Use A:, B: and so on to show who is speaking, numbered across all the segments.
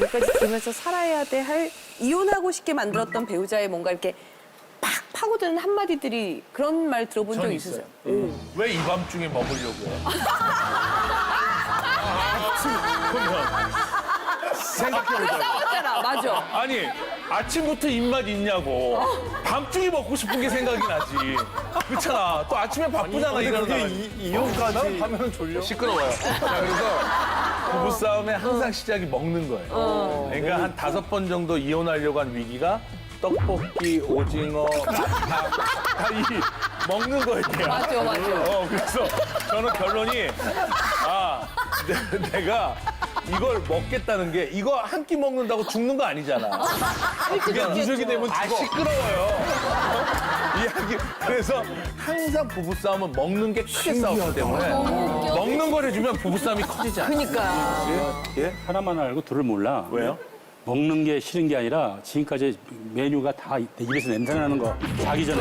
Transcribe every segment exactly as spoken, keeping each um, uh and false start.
A: 여기까지 들으면서 살아야 돼 할 이혼하고 싶게 만들었던 배우자의 뭔가 이렇게 팍 파고드는 한마디들이 그런 말 들어본 적 있으세요?
B: 왜 이 밤중에 먹으려고 해? 생각해보자.
A: 싸웠잖아, 맞아.
B: 아니, 아침부터 입맛 있냐고. 밤중에 먹고 싶은 게 생각이 나지. 그렇잖아. 또 아침에 바쁘잖아, 이러는 사람.
C: 이혼까지
B: 하면 졸려. 시끄러워요. 자, 그래서 부부싸움의 항상 시작이 먹는 거예요. 그러니까 한 다섯 번 정도 이혼하려고 한 위기가 떡볶이, 오징어, 다, 다이 먹는 거였대요.
A: 맞아, 맞아.
B: 어, 그래서 저는 결론이, 아, 내, 내가 이걸 먹겠다는 게 이거 한 끼 먹는다고 죽는 거 아니잖아. 그게 누적이 되면 죽어. 아, 시끄러워요. 이야기. 그래서 항상 부부싸움은 먹는 게 크게 싸우기 때문에 먹는 걸 해주면 부부싸움이 커지지 않아.
A: 그러니까.
B: 예?
D: 하나만 알고 둘을 몰라.
B: 왜요?
D: 먹는 게 싫은 게 아니라 지금까지 메뉴가 다 내 입에서 냄새 나는 거 자기 전에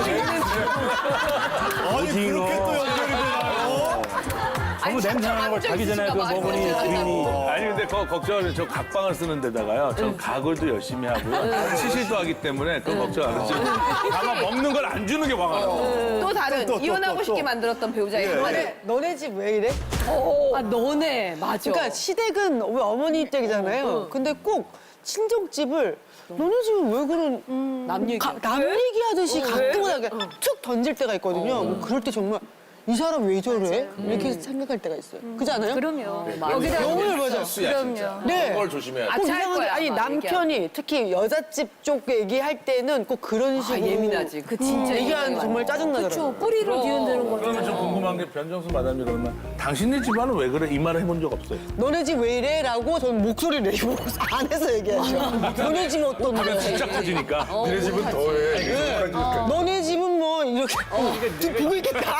C: 아니
D: 오징어.
C: 그렇게 또 연결이 되나요?
D: 너무 냄새 나는 걸 자기 전에 그 먹으니 주인이
B: 아니 근데 거, 걱정을 저 각방을 쓰는 데다가요. 저 가글도 열심히 하고요. 치실도 하기 때문에 그건 걱정 안 하죠. 다만 먹는 걸 안 주는 게 화가 나요.
A: 또 다른
C: 또, 또,
A: 이혼하고
C: 또,
A: 싶게
C: 또.
A: 만들었던 배우자의 한마디.
E: 너네 집 왜 이래?
A: 아, 너네. 맞아.
E: 그러니까 시댁은 우리 어머니 댁이잖아요. 근데 꼭 친정집을 너네 집은 왜 그런
A: 남 얘기.
E: 가- 남 얘기하듯이 가끔가다가 툭 던질 때가 있거든요. 뭐 그럴 때 정말 이 사람 왜 저래? 이렇게 생각할 때가 있어요. 그렇지 않아요?
F: 그럼요.
A: 여기다
E: 영혼을 맞아.
F: 그럼요.
E: 네.
B: 그걸 조심해야 돼.
A: 아,
E: 꼭
A: 잘
E: 이상하게
A: 거야,
E: 아니
A: 아마
E: 남편이 특히 여자집 쪽 얘기할 때는 꼭 그런
A: 아,
E: 식으로
A: 예민하지. 그 진짜
E: 얘기하는 정말 짜증나더라고요.
F: 뿌리로 뒤흔드는 거.
B: 그러면 좀 궁금한 게 변정수 마담이 그러면 당신네 집안은 왜 그래? 이 말을 해본 적 없어요.
E: 너네 집 왜 이래? 라고 저는 목소리를 내고 안에서 얘기하죠. 너네 집은 어떤데?
B: 진짜 커지니까.
C: 니네 집은 더해.
E: 너네 집은 뭐 이렇게 좀 보고 있겠다.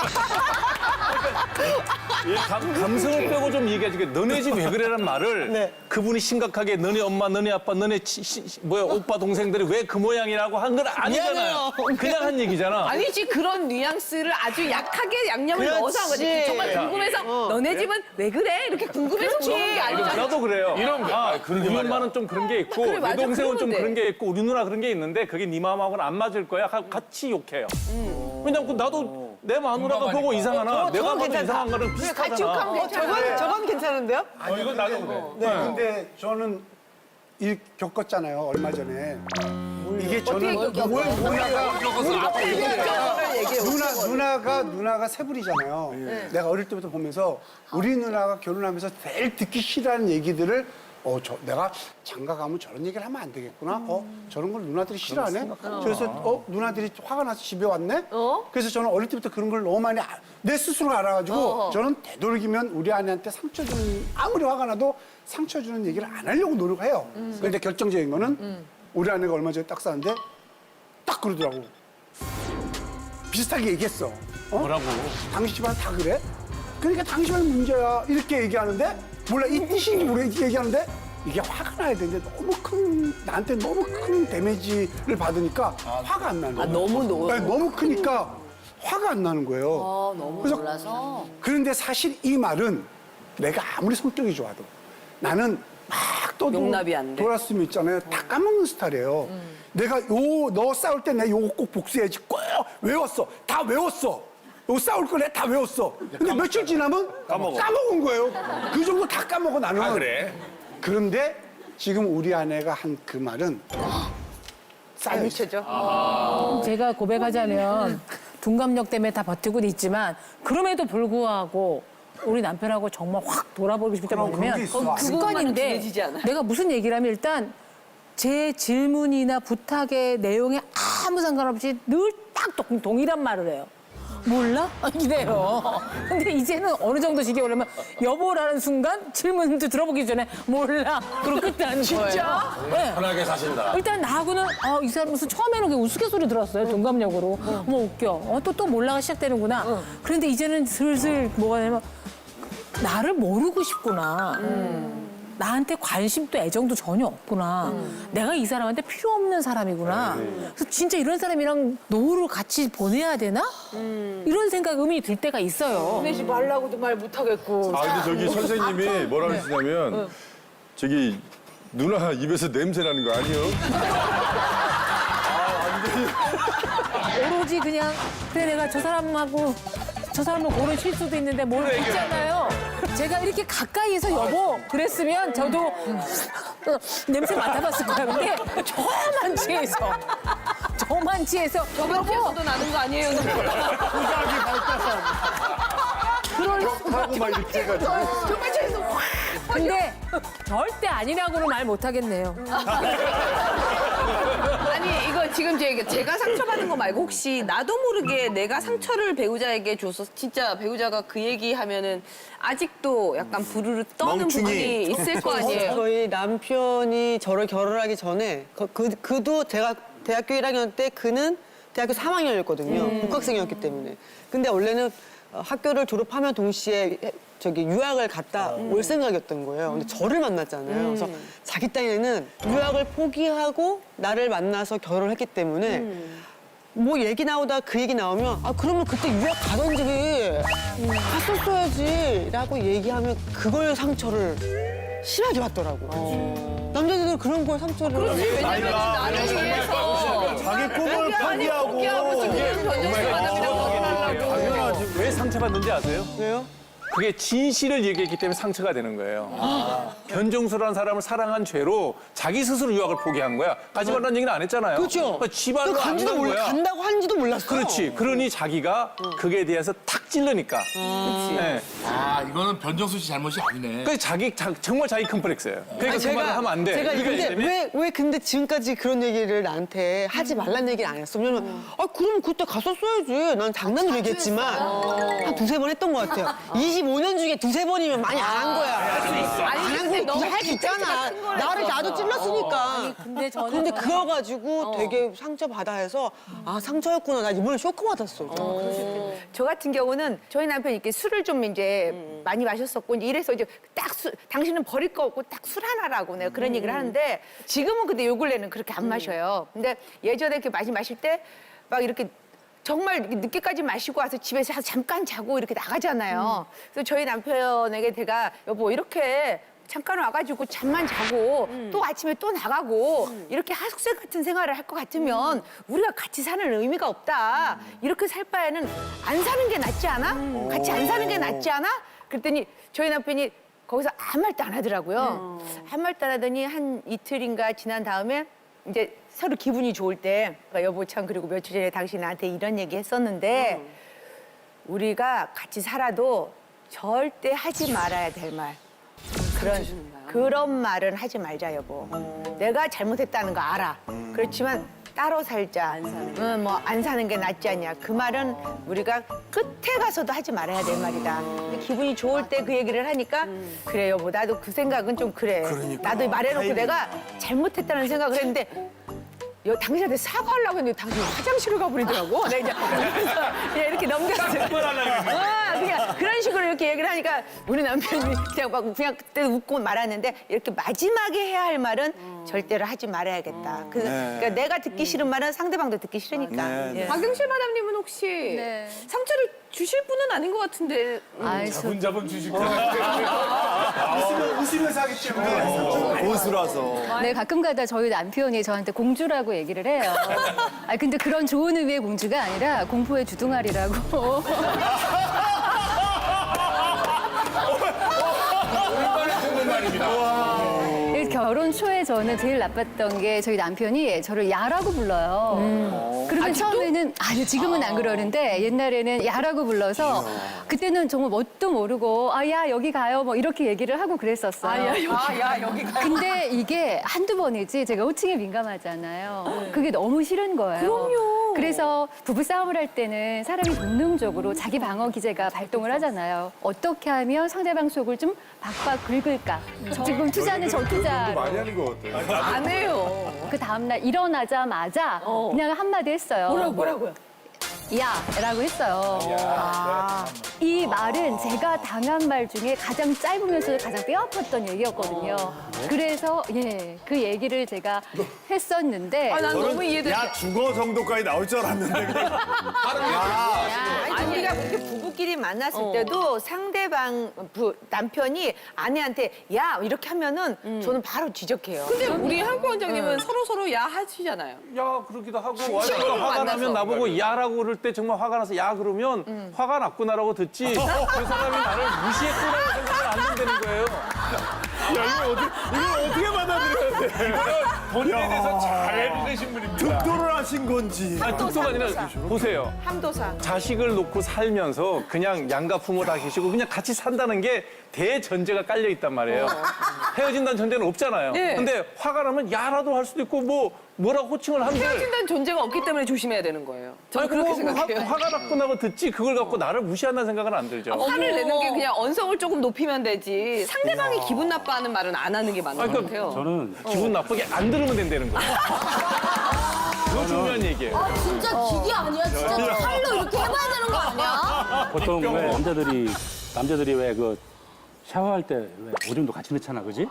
B: 감, 감성을 빼고 좀 얘기하지. 너네 집 왜 그래란 말을
E: 네.
B: 그분이 심각하게 너네 엄마, 너네 아빠, 너네 치, 시, 시- 뭐야 오빠 동생들이 왜 그 모양이라고 한 건 아니잖아요.
E: 미안해요.
B: 그냥 한 얘기잖아.
A: 아니지 그런 뉘앙스를 아주 약하게 양념을
E: 그렇지.
A: 넣어서 한 거지. 정말 궁금해서 너네 집은 왜 그래? 이렇게 궁금해서 물어본 게 아니잖아.
D: 나도 그래요.
B: 이런 거.
D: 아, 우리 엄마는 좀 그런 게 있고
A: 그래,
D: 내
A: 맞아.
D: 동생은 좀
A: 그러면 돼.
D: 그런 게 있고 우리 누나 그런 게 있는데 그게 네 마음하고는 안 맞을 거야. 가- 같이 욕해요. 왜냐면 그 나도 내 마누라가 보고 이상하나 내가 봐도
E: 괜찮다.
D: 이상한 거는 비슷하잖아.
A: 같이 욕하면 괜찮아.
E: 저건, 저건 괜찮은데요?
B: 아, 이건 나도 그래.
G: 네, 근데 저는 일 겪었잖아요, 얼마 전에. 이게 저는 뭘 누나가 누나 누나가 누나가 세불이잖아요. 내가 어릴 때부터 보면서 우리 누나가 결혼하면서 제일 듣기 싫어하는 얘기들을 어, 저 내가 장가 가면 저런 얘기를 하면 안 되겠구나. 어, 저런 걸 누나들이 싫어하네. 그래서 어, 누나들이 화가 나서 집에 왔네. 그래서 저는 어릴 때부터 그런 걸 너무 많이 아- 내 스스로 알아가지고 저는 되도록이면 우리 아내한테 상처 주는 아무리 화가 나도 상처 주는 얘기를 안 하려고 노력해요. 그런데 결정적인 거는 우리 아내가 얼마 전에 딱 싸는데 딱 그러더라고. 비슷하게 얘기했어. 어?
B: 뭐라고?
G: 당신 집안 다 그래? 그러니까 당신 집안 문제야. 이렇게 얘기하는데 몰라 이 뜻인지 모르겠지 얘기하는데 이게 화가 나야 되는데 너무 큰 나한테 너무 큰 데미지를 받으니까 화가 안 나는 거야.
A: 아, 너무 너무.
G: 네, 너무 크니까 화가 안 나는 거예요.
F: 어, 너무
G: 그래서
F: 놀라서.
G: 그런데 사실 이 말은 내가 아무리 성격이 좋아도 나는 막 또
A: 용납이 안 돼.
G: 돌았으면 있잖아요. 다 까먹는 스타일이에요. 내가 요 너 싸울 때 내가 요거 꼭 복수해야지. 꼭 외웠어. 다 외웠어. 요 싸울 거 내가 다 외웠어. 근데 며칠 지나면
B: 까먹어.
G: 까먹은 거예요. 그 정도 다 까먹어 나는.
B: 아, 그래?
G: 그런데 지금 우리 아내가 한 그 말은 쌓여 있어.
F: 제가 고백하자면 둔감력 때문에 다 버티고는 있지만 그럼에도 불구하고 우리 남편하고 정말 확 돌아보고 싶을 때
G: 그럼 그런 게
F: 먹으면
G: 있어.
F: 그건 습관인데
A: 둔해지지 않아요?
F: 내가 무슨 얘기를 하면 일단 제 질문이나 부탁의 내용에 아무 상관없이 늘 딱 동일한 말을 해요. 몰라? 이래요. 근데 이제는 어느 정도 시기 오려면 여보라는 순간 질문도 들어보기 전에 몰라. 그러고 끝나는 거예요. 진짜? 네.
B: 편하게 사신다.
F: 일단 나하고는 어, 이 사람 무슨 처음에는 그냥 우스갯소리 들었어요. 동감력으로. 어머 웃겨. 어, 또, 또 몰라가 시작되는구나. 그런데 이제는 슬슬 뭐가 되냐면 나를 모르고 싶구나. 나한테 관심도 애정도 전혀 없구나. 내가 이 사람한테 필요 없는 사람이구나. 그래서 진짜 이런 사람이랑 노후를 같이 보내야 되나? 이런 생각, 의문이 들 때가 있어요.
A: 보내지 말라고도 말 못하겠고.
C: 아 근데 저기 선생님이 뭐라 그러시냐면 저기 누나 입에서 냄새 나는 거 아니에요?
F: 오로지 그냥 그래 내가 저 사람하고 저 사람은 고른 실수도 있는데 뭘 있잖아요. 제가 이렇게 가까이에서 여보 그랬으면 저도 냄새 맡아봤을 거야. 근데 저만 취해서 저만 취해서
A: 저번주에서도 나는 거 아니에요?
C: 고작이 발가락.
F: 그럴
C: 하고 막 이렇게 해가지고.
A: 정말 취해서 확.
F: 근데 절대 아니라고는 말 못하겠네요.
A: 아니 이거 지금 제- 제가 상처받은 거 말고 혹시 나도 모르게 내가 상처를 배우자에게 줘서 진짜 배우자가 그 얘기하면은 아직도 약간 부르르 떠는
C: 멍충이.
A: 부분이 있을 거 아니에요?
E: 저희 남편이 저를 결혼하기 전에 그, 그 그도 제가 대학교 일 학년 때 그는 대학교 삼 학년이었거든요. 복학생이었기 때문에. 근데 원래는 어, 학교를 졸업하면 동시에 저기 유학을 갔다 올 생각이었던 거예요. 근데 저를 만났잖아요. 그래서 자기 딴에는 유학을 포기하고 나를 만나서 결혼을 했기 때문에 뭐 얘기 나오다 그 얘기 나오면 아 그러면 그때 유학 가던지 갔었어야지 라고 얘기하면 그걸 상처를 심하게 받더라고. 남자들은 그런 걸 상처를
A: 왜냐면 나를 위해서
C: 자기 꿈을
A: 아니 포기하고 지금 변정수 만남이라고 하려고.
D: 왜 상처받는지 아세요?
E: 왜요?
D: 그게 진실을 얘기했기 때문에 상처가 되는 거예요. 변종수라는 사람을 사랑한 죄로 자기 스스로 유학을 포기한 거야. 가지 말라는 얘기는 안 했잖아요.
E: 그렇죠.
D: 그러니까 지발로
E: 그
D: 안
E: 간지도
D: 간
E: 몰라
D: 거야.
E: 간다고 한지도 몰랐어.
D: 그렇지. 그러니 자기가 그게 대해서 탁 찔르니까. 네.
H: 아, 이거는 변정수 씨 잘못이 아니네.
D: 그 자기 자- 정말 자기 컴플렉스예요. 그러니까
E: 아니,
D: 그 말을 하면 안 돼.
E: 제가
D: 그러니까
E: 근데
D: 이제는
E: 왜, 왜 근데 지금까지 그런 얘기를 나한테 하지 말란 얘기를 안 했어? 왜냐면, 아, 그럼 그때 갔었어야지. 난 장난으로 얘기했지만, 한 두세 번 했던 것 같아요. 이십오 년 중에 두세 번이면 많이 안 한 거야.
A: 아니 근데 너무
E: 할수 있잖아. 나를 나도 찔렀으니까.
F: 근데 저는
E: 근데 그거 가지고 되게 상처받아 해서, 아, 상처였구나. 나 이번에 쇼크받았어.
I: 저 같은 경우는 저희 남편이 이렇게 술을 좀 이제 많이 마셨었고 이제 이래서 이제 딱 술, 당신은 버릴 거 없고 딱 술 하나라고 내가 그런 얘기를 하는데 지금은 근데 요 근래는 그렇게 안 마셔요. 근데 예전에 이렇게 많이 마실 때 막 이렇게 정말 이렇게 늦게까지 마시고 와서 집에서 잠깐 자고 이렇게 나가잖아요. 그래서 저희 남편에게 제가 여보 이렇게 잠깐 와가지고 잠만 자고 또 아침에 또 나가고 이렇게 하숙생 같은 생활을 할 것 같으면 우리가 같이 사는 의미가 없다. 이렇게 살 바에는 안 사는 게 낫지 않아? 같이 안 사는 게 낫지 않아? 그랬더니 저희 남편이 거기서 아무 말도 안 하더라고요. 아무 말도 안 하더니 한 이틀인가 지난 다음에 이제 서로 기분이 좋을 때 그러니까 여보 참 그리고 며칠 전에 당신 나한테 이런 얘기 했었는데 우리가 같이 살아도 절대 하지 말아야 될 말. 그런 그런 말은 하지 말자 여보. 내가 잘못했다는 거 알아. 그렇지만 따로 살자. 응, 뭐 안 사는 게 낫지 않냐. 그 말은 우리가 끝에 가서도 하지 말아야 될 말이다. 근데 기분이 좋을 때 그 얘기를 하니까 그래 여보 나도 그 생각은 좀 그래. 나도 말해놓고 내가 잘못했다는 생각을 했는데 여, 당신한테 사과하려고 했는데 당신이 화장실을 가버리더라고. 내가 이제 그래서 그냥 이렇게 넘겼어요. 어, 그냥 그런 식으로 이렇게 얘기를 하니까 우리 남편이 그냥 막 그냥 그때 웃고 말았는데 이렇게 마지막에 해야 할 말은 절대로 하지 말아야겠다. 그, 그러니까 내가 듣기 싫은 말은 상대방도 듣기 싫으니까. 예.
A: 박영실 마담님은 혹시
J: 네.
A: 상처를 주실 분은 아닌 것 같은데
J: 아이, 저,
B: 자분자분 주시고.
G: 웃으면, 웃으면서 하기 때문에.
C: 고수라서.
J: 네, 가끔 가다 저희 남편이 저한테 공주라고 얘기를 해요. 아 근데 그런 좋은 의미의 공주가 아니라 공포의 주둥아리라고. 결혼 초에 저는 제일 나빴던 게 저희 남편이 저를 야라고 불러요. 그러면 처음에는 아니 지금은 안 그러는데 옛날에는 야라고 불러서 그때는 정말 뭣도 모르고 아 야 여기 가요 뭐 이렇게 얘기를 하고 그랬었어요.
A: 아, 야 여기 가.
J: 근데 이게 한두 번이지 제가 호칭에 민감하잖아요. 그게 너무 싫은 거예요. 그럼요. 그래서 부부싸움을 할 때는 사람이 본능적으로 자기 방어 기제가 발동을 하잖아요. 어떻게 하면 상대방 속을 좀 박박 긁을까. 지금 투자는 저 투자.
C: 많이 하는 것 같아요.
A: 안 해요.
J: 그 다음날 일어나자마자 그냥 한마디 했어요.
A: 뭐라고 뭐라고요?
J: 야라고 했어요. 이 말은 제가 당한 말 중에 가장 짧으면서도 가장 뼈아팠던 얘기였거든요. 그래서 예, 그 얘기를 제가 했었는데
A: 아, 난 너무 이해돼.
C: 야 죽어 정도까지 나올 줄 알았는데 그냥
I: 아니, 우리가 이렇게 부부끼리 만났을 때도 상대방 부, 남편이 아내한테 야 이렇게 하면은 저는 바로 지적해요.
A: 근데 우리 한국 원장님은 서로 서로 야 하시잖아요.
D: 야 그러기도 하고
A: 친구로
D: 와이프가 화가
A: 만나서.
D: 나면 나보고 야라고 그럴 때 정말 화가 나서 야 그러면 화가 났구나라고 듣지 그 사람이 나를 무시했구나라고 생각을 안 한다는 거예요.
C: 야 이거 어떻게 이걸 어떻게 받아들여야 돼?
B: 본인에 대해서 잘 해주신 분입니다.
C: 득도를 하신 건지.
D: 아니 독도가 아니라 보세요.
I: 함도상.
D: 자식을 놓고 살면서 그냥 양가 부모 다 계시고 그냥 같이 산다는 게 대전제가 깔려 있단 말이에요. 헤어진다는 전제는 없잖아요.
A: 네.
D: 근데 화가 나면 야라도 할 수도 있고 뭐 뭐라고 호칭을 한들
A: 헤어진다는 존재가 없기 때문에 조심해야 되는 거예요. 저는
D: 아니,
A: 그렇게
D: 뭐
A: 생각해요.
D: 화, 화가 났구나고 듣지 그걸 갖고 나를 무시한다는 생각은 안 들죠.
A: 화를 내는 게 그냥 언성을 조금 높이면 되지 상대방이 기분 나빠하는 말은 안 하는 게 맞는
D: 아니,
A: 것
D: 그러니까
A: 같아요.
K: 저는
D: 기분 나쁘게 안 들으면 된다는 거예요. 그거 중요한 얘기예요.
L: 아, 진짜 기계 아니야? 진짜 칼로 이렇게 해봐야 되는 거 아니야?
K: 보통 왜 남자들이 남자들이 왜 그 샤워할 때 왜 오줌도 같이 넣잖아, 그지?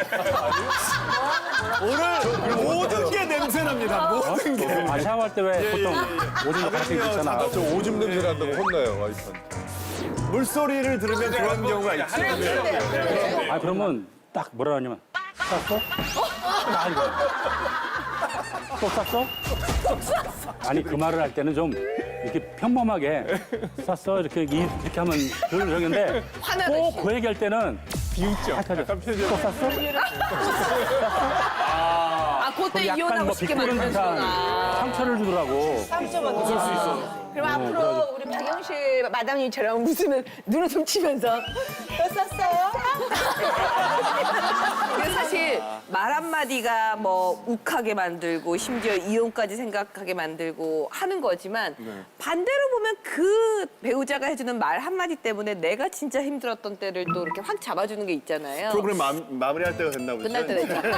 C: 오늘 모든 게 냄새 납니다. 모든 게.
K: 아 샤워할 때 왜 보통 오줌도 같이 넣잖아.
C: 저 오줌 냄새 난다고 혼나요 와이프한테. 물소리를 들으면 그런 경우가 있지.
K: 아 그러면 딱 뭐라 하냐면 쌌어? 아 이거 또 쌌어? 아니 그 말을 할 때는 좀 이렇게 평범하게 쌌어 이렇게 이- 이렇게 하면 그걸 정인데
A: 화나듯이.
K: 꼭 그 얘기할 때는 비웃죠. 약간 표정. 또 쌌어?
A: 아, 그때
K: 약간
A: 이혼하고
K: 뭐
A: 싶게
K: 비꼬는 듯한
A: 만들어주구나.
K: 상처를 주더라고.
I: 그럼 앞으로 우리 박영실 마담님처럼 웃으면 눈을 좀 치면서 또 썼어요?
A: 근데 사실 말 한마디가 뭐 욱하게 만들고 심지어 이혼까지 생각하게 만들고 하는 거지만 반대로 보면 그 배우자가 해주는 말 한마디 때문에 내가 진짜 힘들었던 때를 또 이렇게 확 잡아주는 게 있잖아요.
C: 프로그램 마, 마무리할 때가 됐나 보죠.
A: 끝날 때 되죠.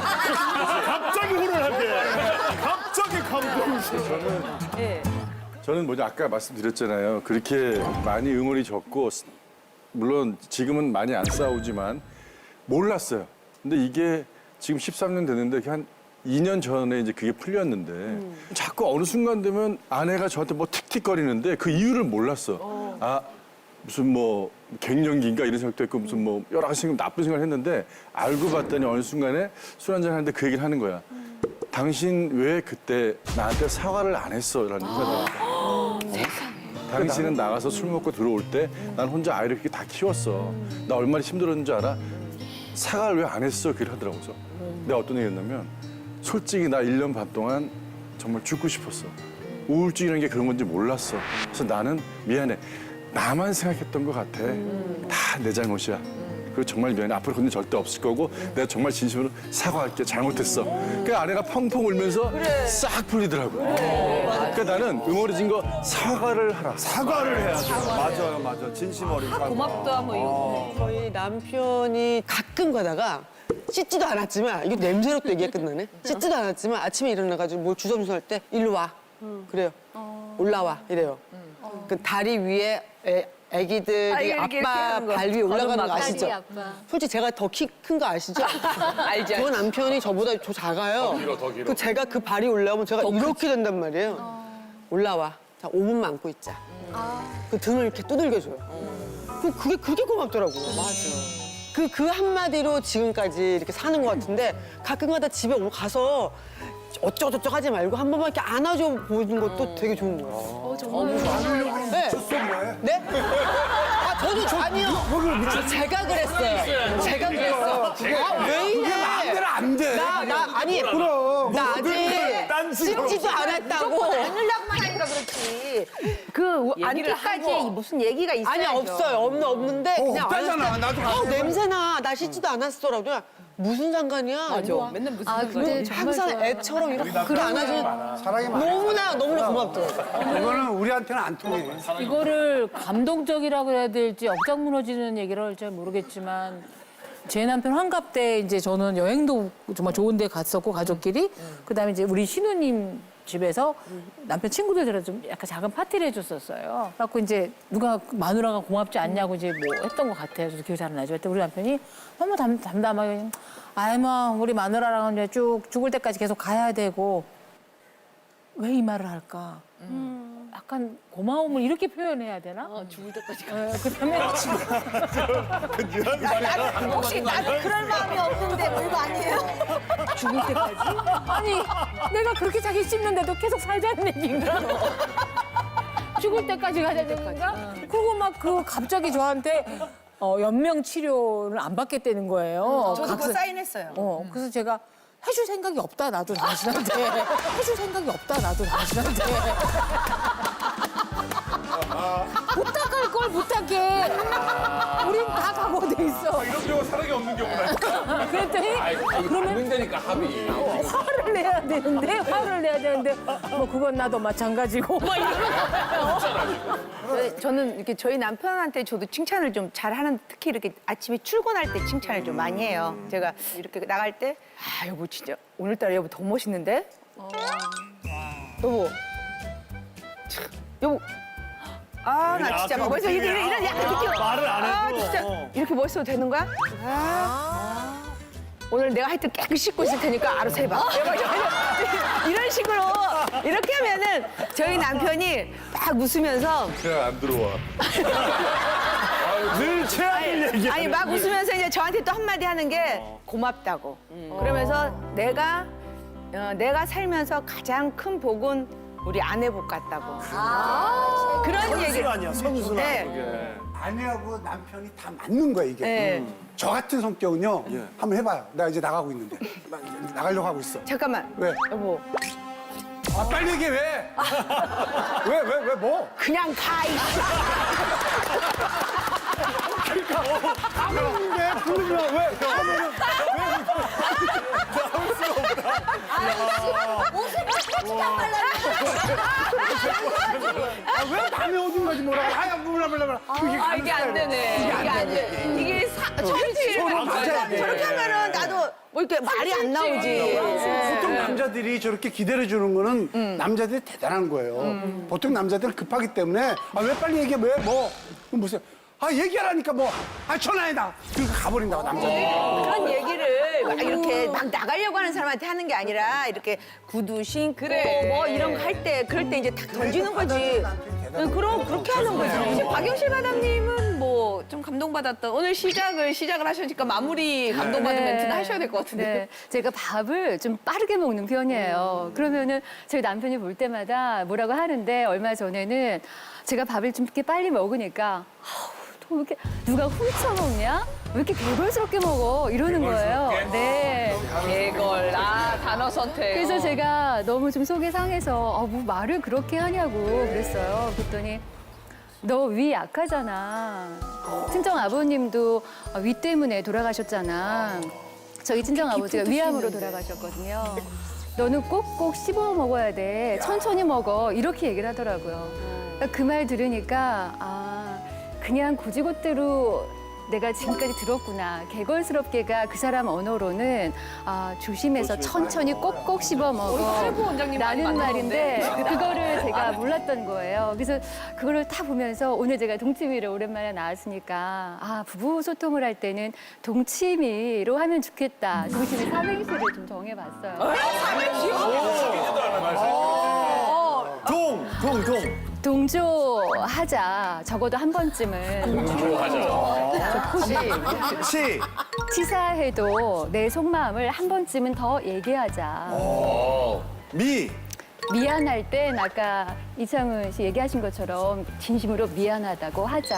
C: 갑자기 혼을 하게. 갑자기 감동실.
A: 예.
M: 저는 뭐냐 아까 말씀드렸잖아요. 그렇게 많이 응원이 적고 물론 지금은 많이 안 싸우지만 몰랐어요. 근데 이게 지금 십삼 년 됐는데 한 이 년 전에 이제 그게 풀렸는데
A: 음.
M: 자꾸 어느 순간 되면 아내가 저한테 뭐 틱틱거리는데 그 이유를 몰랐어. 아 무슨 뭐 갱년기인가 이런 생각도 했고 무슨 뭐 여러 가지 생각 나쁜 생각을 했는데 알고 봤더니 어느 순간에 술 한잔 하는데 그 얘기를 하는 거야. 당신 왜 그때 나한테 사과를 안 했어? 라는 생각을 하니까. 당신은 나가서 술 먹고 들어올 때 난 혼자 아이를 이렇게 다 키웠어. 나 얼마나 힘들었는지 알아? 사과를 왜 안 했어? 그걸 하더라고. 그래서 내가 어떤 얘기 했냐면 솔직히 나 일 년 반 동안 정말 죽고 싶었어. 우울증이라는 게 그런 건지 몰랐어. 그래서 나는 미안해. 나만 생각했던 것 같아. 다 내 잘못이야. 그리고 정말 미안해. 앞으로 그런 일 절대 없을 거고 내가 정말 진심으로 사과할게. 잘못했어. 그 아내가 펑펑 울면서 싹 풀리더라고. 그러니까 나는 응어리진 거 사과를 하라.
C: 사과를 해야 돼. 맞아요, 맞아. 진심 어린 사과.
A: 고맙다 뭐 이거.
E: 저희 남편이 가끔 가다가 씻지도 않았지만 이거 냄새로 또 얘기가 끝나네. 씻지도 않았지만 아침에 일어나가지고 뭐 주섬주섬 할 때 일로 와. 그래요. 올라와 이래요. 그 다리 위에 애, 애기들이
A: 아, 이렇게, 이렇게
E: 아빠
A: 하는 거.
E: 발 위에 올라가는 거
A: 걸음마
E: 아시죠?
J: 다리 아빠.
E: 솔직히 제가 더 키 큰 거 아시죠?
A: 알지,
E: 저
A: 알지.
E: 남편이 저보다 더 작아요. 더 길어, 더 길어. 그 제가 그 발이 올라오면 제가 이렇게 된단 말이에요. 올라와. 자, 오 분만 안고 있자. 그 등을 이렇게 두들겨줘요. 그 그게 그게 고맙더라고요. 맞아. 그, 그 한마디로 지금까지 이렇게 사는 것 같은데 가끔가다 집에 오- 가서 어쩌고저쩌고 하지 말고 한 번만 이렇게 안아줘 보는 것도 되게 좋은 거예요. 어, 정말. 네. 네? 아, 저도 아니요. 제가 그랬어요. 제가 그랬어. 아, 왜 이래?
C: 그게 마음대로 안 돼.
E: 나, 나, 아니.
C: 그럼.
E: 나
C: 딴
E: 아직
C: 식으로.
E: 씻지도 않았다고.
I: 안으려고만 하니까 그렇지. 그
A: 얘기를
I: 안기까지
A: 하고.
I: 무슨 얘기가 있어야죠.
E: 아니, 없어요. 없는, 없는데. 그냥
C: 없다잖아.
E: 알았을 때,
C: 나도
E: 어,
C: 봤어.
E: 냄새나. 나 씻지도 않았어라고. 그냥 무슨 상관이야?
A: 맞아. 맨날 무슨
J: 아 근데 정말
E: 항상
J: 좋아요.
E: 애처럼 이렇게 그렇게 안아주는
G: 사랑이 많아.
E: 너무나 너무나 고맙더라고요.
G: 이거는 우리한테는 안 통해.
F: 이거를 감동적이라고 해야 될지 억장 무너지는 얘기를 할지 모르겠지만 제 남편 환갑 때 이제 저는 여행도 정말 좋은 데 갔었고 가족끼리 그다음에 이제 우리 신우님 집에서 남편 친구들 들어 좀 약간 작은 파티를 해줬었어요. 그래갖고 이제 누가 마누라가 고맙지 않냐고 이제 뭐 했던 것 같아요. 저도 기억이 잘 안 나죠. 그때 우리 남편이 너무 담, 담담하게 아이 뭐 우리 마누라랑은 이제 쭉 죽을 때까지 계속 가야 되고 왜 이 말을 할까? 약간 고마움을 이렇게 표현해야 되나?
A: 죽을 때까지
F: 어, 그다음에
L: 혹시 나는 그럴 마음이 없는데 뭐 이거 아니에요?
F: 죽을 때까지? 아니 내가 그렇게 자기 씹는데도 계속 살자는 얘기인가? 죽을 때까지 가자는 얘기인가? 그리고 막 그 갑자기 저한테 어, 연명 치료를 안 받겠다는 거예요.
I: 저도 그거
F: 각서-
I: 사인했어요.
F: 어, 그래서 제가 해줄 생각이 없다 나도 당신한테 해줄 생각이 없다 나도 당신한테 부탁할 걸 부탁해. 우린 다 각오돼 있어.
B: 이런 경우 사랑이 없는 경우나.
F: 그랬더니 그러면
B: 받는다니까 합의.
F: 화를 내야 되는데 화를 내야 되는데 뭐 그건 나도 마찬가지고 막 이런 거예요.
I: 네, 저는 이렇게 저희 남편한테 저도 칭찬을 좀 잘하는, 특히 이렇게 아침에 출근할 때 칭찬을 좀 많이 해요. 제가 이렇게 나갈 때 아 여보 진짜 오늘따라 여보 더 멋있는데? 여보 참, 여보 아 나 진짜 막 멋있어 이런 이런 이런 약간 느낌
C: 말을 안 해도.
I: 아 진짜
C: 어.
I: 이렇게 멋있어도 되는 거야? 아. 오늘 내가 하여튼 깨끗이 씻고 있을 테니까 알아서 해봐. 이런 식으로 이렇게 하면은 저희 남편이 막 웃으면서
C: 그냥 안 들어와. 늘 최악을 얘기해.
I: 아니 막 웃으면서 이제 저한테 또 한마디 하는 게 고맙다고. 그러면서 내가 어, 내가 살면서 가장 큰 복은 우리 아내 복 같다고. 그런 얘기.
G: 선순 아니야, 선순.
I: 네.
G: 아내하고 남편이 다 맞는 거야 이게.
I: 네.
G: 음. 저 같은 성격은요. 한번 해봐요. 나 이제 나가고 있는데 나 이제 나가려고 하고 있어.
I: 잠깐만.
G: 왜?
I: 여보.
G: 아 빨리 얘기해 왜? 왜 왜 왜 뭐?
I: 그냥 가 이씨.
G: 왜 부르면 왜? 하면은
L: 옷을 벗지 말라고.
G: 아왜 남의 옷인 거지 뭐라고? 아야 몰라 몰라 몰라. 그게
A: 아 이게 안 되네. 이게 안 돼. 이게 사, 천지를
G: 맞아야 돼.
I: 저렇게 하면은 나도 뭐 이렇게 말이 안 나오지.
G: 보통 남자들이 저렇게 기대를 주는 거는 남자들이 대단한 거예요. 보통 남자들은 급하기 때문에 아 왜 빨리 얘기해 왜 뭐? 그럼 무슨 아 얘기하라니까 뭐 아 전화해다. 그리고 가버린다고 남자들이.
I: 그런 얘기를 막 이렇게 막 나가려고 하는 사람한테 하는 게 아니라 이렇게 구두 신고
A: 그래.
I: 뭐 이런 거 할 때 그럴 때 이제 탁 던지는 거지. 응, 그럼 그렇게 하는 거지.
A: 박영실 마담님은 뭐 좀 감동받았던 오늘 시작을 시작을 하시니까 마무리 감동받은 멘트는 하셔야 될 것 같은데.
J: 네. 제가 밥을 좀 빠르게 먹는 편이에요. 그러면은 저희 남편이 볼 때마다 뭐라고 하는데 얼마 전에는 제가 밥을 좀 이렇게 빨리 먹으니까 아우, 또 이렇게 누가 훔쳐 먹냐? 왜 이렇게 개걸스럽게 먹어? 이러는 거예요. 네.
A: 개걸. 아 단어 선택.
J: 그래서 제가 너무 좀 속이 상해서 아, 뭐 말을 그렇게 하냐고 그랬어요. 그랬더니 너 위 약하잖아. 친정 아버님도 위 때문에 돌아가셨잖아. 저희 친정 아버지가 위암으로 돌아가셨거든요. 너는 꼭꼭 씹어 먹어야 돼. 천천히 먹어. 이렇게 얘기를 하더라고요. 그 말 들으니까 아 그냥 고지곳대로 내가 지금까지 들었구나. 개걸스럽게가 그 사람 언어로는 아, 조심해서 천천히 꼭꼭 씹어 먹어.
A: 탈구 원장님 많이
J: 라는
A: 만나는데.
J: 말인데 그거를 제가 몰랐던 거예요. 그래서 그거를 다 보면서 오늘 제가 동치미를 오랜만에 나왔으니까 아, 부부 소통을 할 때는 동치미로 하면 좋겠다. 동치미 삼행시를 좀 정해봤어요.
C: 동, 동, 동.
J: 동조하자. 적어도 한 번쯤은.
C: 시.
J: 치사해도 내 속마음을 한 번쯤은 더 얘기하자.
C: 미.
J: 미안할 땐 아까 이창훈 씨 얘기하신 것처럼 진심으로 미안하다고 하자.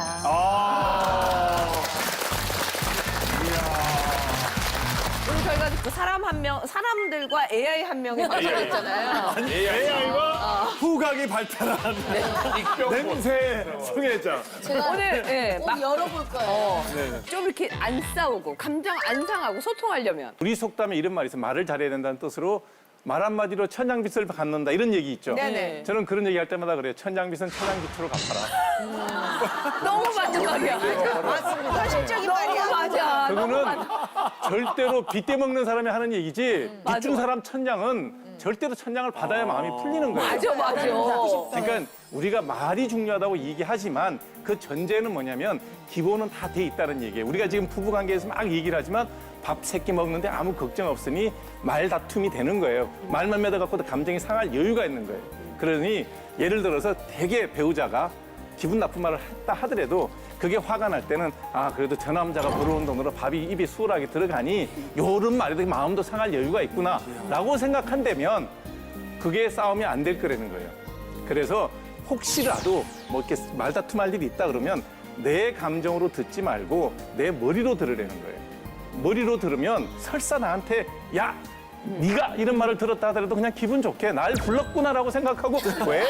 A: 오늘 저희가 그 사람 한 명, 사람들과 에이아이 한 명이 맞춰졌잖아요.
C: 에이아이와 후각이 발달한 냄새 성애자.
L: 제가
A: 오늘 예,
L: 꼭
A: 막
L: 열어볼 거예요.
A: 어, 좀 이렇게 안 싸우고 감정 안 상하고 소통하려면
D: 우리 속담에 이런 말이 있어요. 말을 잘해야 된다는 뜻으로 말 한마디로 천냥빚을 갚는다 이런 얘기 있죠.
A: 네네.
D: 저는 그런 얘기 할 때마다 그래요. 천냥빚은 천냥빚으로 갚아라.
A: 너무 맞는 말이야. 맞습니다. 현실적인 말이야. 맞아.
D: 그거는 절대로 빚대 먹는 사람이 하는 얘기지 빚 준 사람 천냥은 절대로 천냥을 받아야 마음이 풀리는 거예요.
A: 맞아, 맞아.
D: 그러니까 우리가 말이 중요하다고 얘기하지만 그 전제는 뭐냐면 기본은 다 돼 있다는 얘기예요. 우리가 지금 부부관계에서 막 얘기를 하지만 밥 세 끼 먹는데 아무 걱정 없으니 말 다툼이 되는 거예요. 말만 맺어갖고도 감정이 상할 여유가 있는 거예요. 그러니 예를 들어서 되게 배우자가 기분 나쁜 말을 했다 하더라도 그게 화가 날 때는 아 그래도 저 남자가 벌어온 돈으로 밥이 입에 수월하게 들어가니 요런 말에도 마음도 상할 여유가 있구나 라고 생각한다면 그게 싸움이 안 될 거라는 거예요. 그래서 혹시라도 뭐 이렇게 말다툼할 일이 있다 그러면 내 감정으로 듣지 말고 내 머리로 들으라는 거예요. 머리로 들으면 설사 나한테 야 네가 이런 말을 들었다 하더라도 그냥 기분 좋게 날 불렀구나라고 생각하고 왜?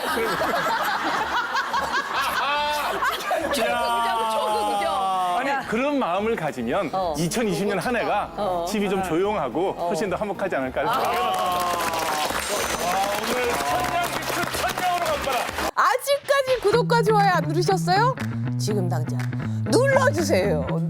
D: 아니 그런 마음을 가지면 이천이십 년 한 해가 집이 좀 조용하고 훨씬 더 화목하지 않을까 생각합니다.
B: 오늘 천냥빚은 천냥으로 갚아라.
A: 아직까지 구독과 좋아요 안 누르셨어요? 지금 당장 눌러주세요.